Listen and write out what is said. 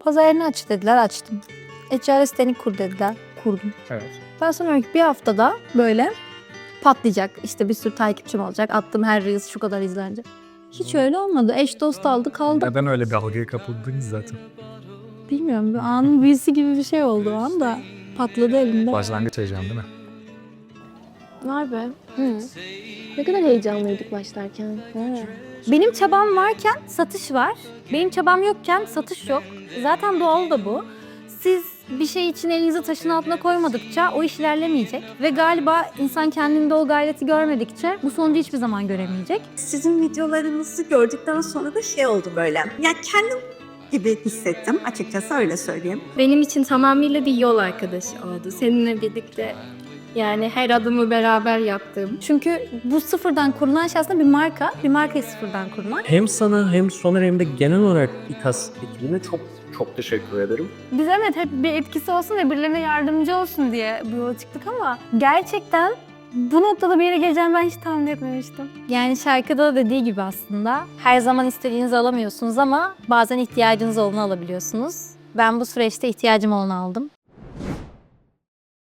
Pazar yerini aç dediler, açtım. E-ticaret siteni kur dediler, kurdum. Evet. Ben sonraki bir haftada böyle patlayacak. İşte bir sürü takipçim olacak. Attığım her reels şu kadar izlenecek. Hiç öyle olmadı. Eş dost aldı kaldı. Neden öyle bir algıya kapıldınız zaten? Bilmiyorum, bir anın büyüsü gibi bir şey oldu o anda. Patladı elimde. Başlangıç heyecanı değil mi? Var be. Ne kadar heyecanlıydık başlarken. Benim çabam varken satış var. Benim çabam yokken satış yok. Zaten doğal da bu. Siz bir şey için elinizi taşın altına koymadıkça o iş ilerlemeyecek. Ve galiba insan kendinde o gayreti görmedikçe bu sonucu hiçbir zaman göremeyecek. Sizin videolarınızı gördükten sonra da şey oldu böyle. Ya kendim gibi hissettim açıkçası, öyle söyleyeyim. Benim için tamamıyla bir yol arkadaşı oldu. Seninle birlikte yani her adımı beraber yaptığım. Çünkü bu sıfırdan kurulan şey aslında bir marka. Bir markayı sıfırdan kurmak. Hem sana hem Soner hem de genel olarak İKAS ekibine çok teşekkür ederim. Biz evet hep bir etkisi olsun ve birilerine yardımcı olsun diye bu yola çıktık ama gerçekten bu noktada bir yere geleceğimi ben hiç tahmin etmemiştim. Yani şarkıda da dediği gibi aslında her zaman istediğinizi alamıyorsunuz ama bazen ihtiyacınız olanı alabiliyorsunuz. Ben bu süreçte ihtiyacım olanı aldım.